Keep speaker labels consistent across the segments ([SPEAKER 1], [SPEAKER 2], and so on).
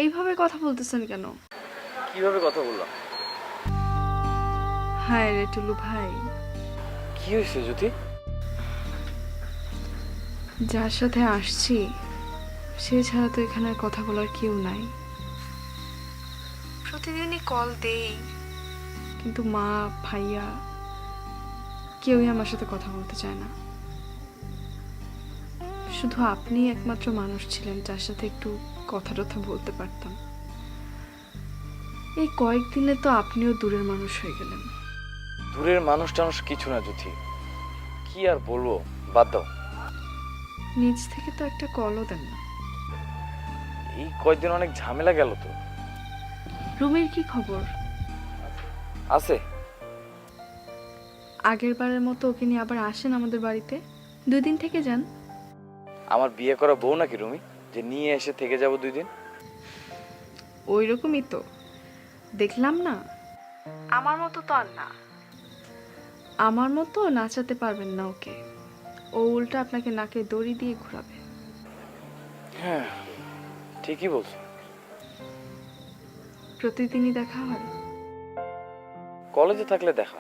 [SPEAKER 1] এইভাবে কথা বলতেছেন কেন?
[SPEAKER 2] কিভাবে কথা বললাম?
[SPEAKER 1] হায় রে টুলু ভাই,
[SPEAKER 2] কি হয়েছে জ্যোতি?
[SPEAKER 1] যার সাথে আসছি সে ছাড়া তো এখানে আর কথা বলার কেউ নাই। প্রতিদিনই কল দেই, কিন্তু মা ভাইয়া কেউই আমার সাথে কথা বলতে চায় না। শুধু আপনিই একমাত্র মানুষ ছিলেন যার সাথে একটু কথা টথা বলতে পারতাম। এই কয়েকদিনে তো আপনিও দূরের মানুষ হয়ে গেলেন।
[SPEAKER 2] দূরের মানুষ টানুষ কিছু না জ্যোতি, কি আর বলবো, বাদ দাও।
[SPEAKER 1] নিজ থেকে তো একটা কলও দেন না।
[SPEAKER 2] এই কয়েকদিন অনেক ঝামেলা গেল তো।
[SPEAKER 1] রুমের কি খবর?
[SPEAKER 2] আছে।
[SPEAKER 1] আগের বারের মতো ওকে নিয়ে আবার আসেন আমাদের বাড়িতে, 2 দিন থেকে যান।
[SPEAKER 2] আমার বিয়ে করা বউ নাকি রুমি যে নিয়ে এসে থেকে যাব 2 দিন?
[SPEAKER 1] ওই রকমই তো দেখলাম না। আমার মতো তো আর না, আমার মতো নাচাতে পারবেন না ওকে। ও উল্টা আপনাকে নাকে দড়ি দিয়ে ঘোরাবে।
[SPEAKER 2] হ্যাঁ, ঠিকই বলছো।
[SPEAKER 1] প্রতিদিনই দেখা হয়।
[SPEAKER 2] কলেজে থাকলে দেখা।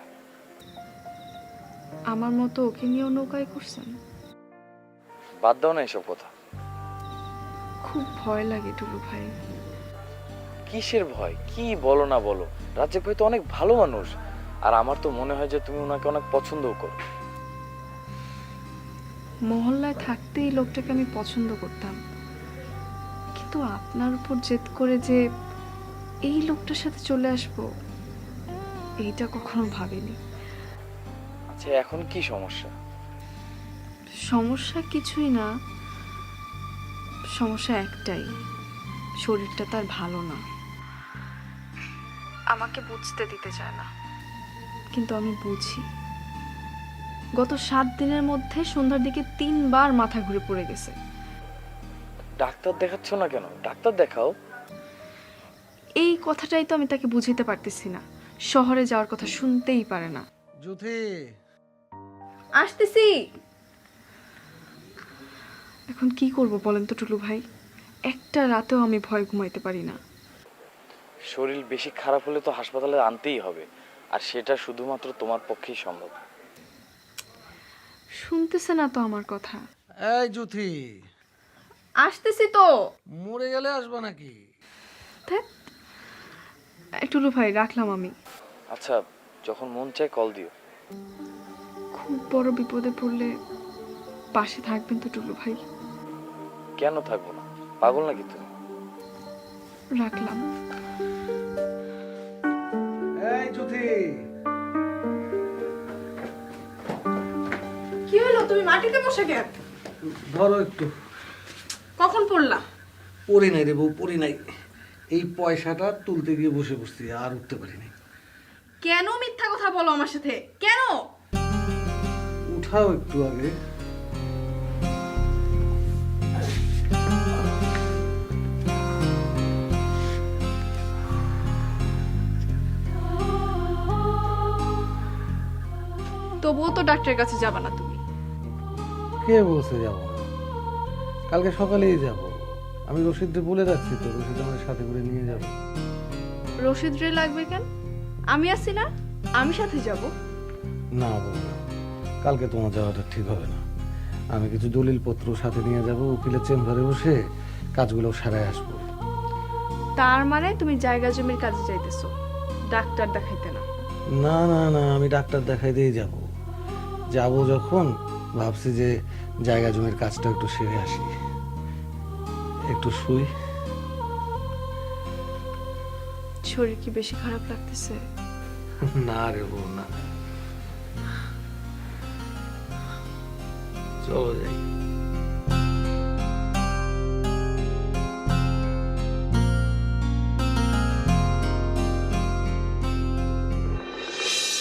[SPEAKER 1] আমার মতো ওকে নিয়েও নৌকায় করছেন?
[SPEAKER 2] বাদ দাও না এসব কথা।
[SPEAKER 1] খুব ভয় লাগে টুলু ভাই।
[SPEAKER 2] কিসের ভয়? কি বলো না বলো, রাজ্জাক ভাই তো অনেক ভালো মানুষ। আর আমার তো মনে হয় যে তুমি ওনাকে অনেক পছন্দও করো।
[SPEAKER 1] মহল্লায় থাকতেই লোকটাকে আমি পছন্দ করতাম, কিন্তু আপনার উপর জেদ করে যে এই লোকটার সাথে চলে আসবো, এইটা কখনো ভাবিনি।
[SPEAKER 2] আচ্ছা, এখন কি সমস্যা?
[SPEAKER 1] সমস্যা কিছুই না, সমস্যা একটাই, শরীরটা তার ভালো না। আমাকে বুঝতে দিতে চায় না, কিন্তু আমি বুঝি। গত 7 দিনের মধ্যে সন্ধ্যার দিকে 3 বার মাথা ঘুরে পড়ে গেছে।
[SPEAKER 2] ডাক্তার দেখাচ্ছ না কেন? ডাক্তার দেখাও।
[SPEAKER 1] এই কথাটাই তো আমি তাকে বুঝাতে পারতেছি না। শহরে যাওয়ার কথা শুনতেই পারে না।
[SPEAKER 3] জ্যোতি,
[SPEAKER 1] আসতেছি। এখন কি করব বলেন তো টুলু ভাই, একটা রাতেও আমি ভয় ঘুমাইতে পারি না।
[SPEAKER 2] শরীর বেশি খারাপ হলে তো হাসপাতালে আনতেই হবে, আর সেটা শুধুমাত্র তোমার পক্ষেই সম্ভব।
[SPEAKER 1] শুনতেছে না তো আমার কথা।
[SPEAKER 3] এই জ্যোতি,
[SPEAKER 1] আসতেছি তো।
[SPEAKER 3] মরে গেলে আসবা নাকি?
[SPEAKER 1] ধ্যাৎ, টুলু ভাই রাখলাম আমি।
[SPEAKER 2] আচ্ছা, যখন মন চায় কল দিও।
[SPEAKER 1] খুব বড় বিপদে পড়লে পাশে থাকবেন তো টুলু ভাই?
[SPEAKER 2] কেন থাকবো না? পাগল নাকি তুমি?
[SPEAKER 1] রাখলাম।
[SPEAKER 3] এই জ্যোতি,
[SPEAKER 1] কি হলো, তুমি মাটিতে বসে কেন?
[SPEAKER 3] ধরো একটু।
[SPEAKER 1] কখন পড়লা?
[SPEAKER 3] পড়ি নাই রে বউ, পড়ি নাই। এই পয়সাটা তুলতে গিয়ে বসে বসছি, আর উঠতে পারি নাই।
[SPEAKER 1] কেন মিথ্যা কথা বলো আমার সাথে? কেন?
[SPEAKER 3] উঠাও একটু আগে।
[SPEAKER 1] তবুও তো ডাক্তারের কাছে যাবা না তুমি?
[SPEAKER 3] কে বলছে যাব না? কালকে সকালেই যাব। আমি রশিদকে বলে রাখছি তো, রশিদ আমার সাথে করে নিয়ে যাবে।
[SPEAKER 1] রশিদ রে লাগবে কেন? আমি আছি না, আমি সাথে যাব।
[SPEAKER 3] না বউ না, কালকে তোমার যাওয়াটা ঠিক হবে না। আমি কিছু দলিলপত্র সাথে নিয়ে যাব, উকিলের চেম্বারে বসে কাজগুলো সারাই আসবো।
[SPEAKER 1] তার মানে তুমি জায়গা জমির কাজে যাইতেছো, ডাক্তার দেখাইতে না?
[SPEAKER 3] না না না, আমি ডাক্তার দেখাইতেই যাব। যাব যখন ভাবছি যে জায়গা জমির কাজটা একটু সেরে আসি, একটু শুই।
[SPEAKER 1] শরীর কি বেশি খারাপ লাগতেছে?
[SPEAKER 3] না রে বউ না, চলো যাই।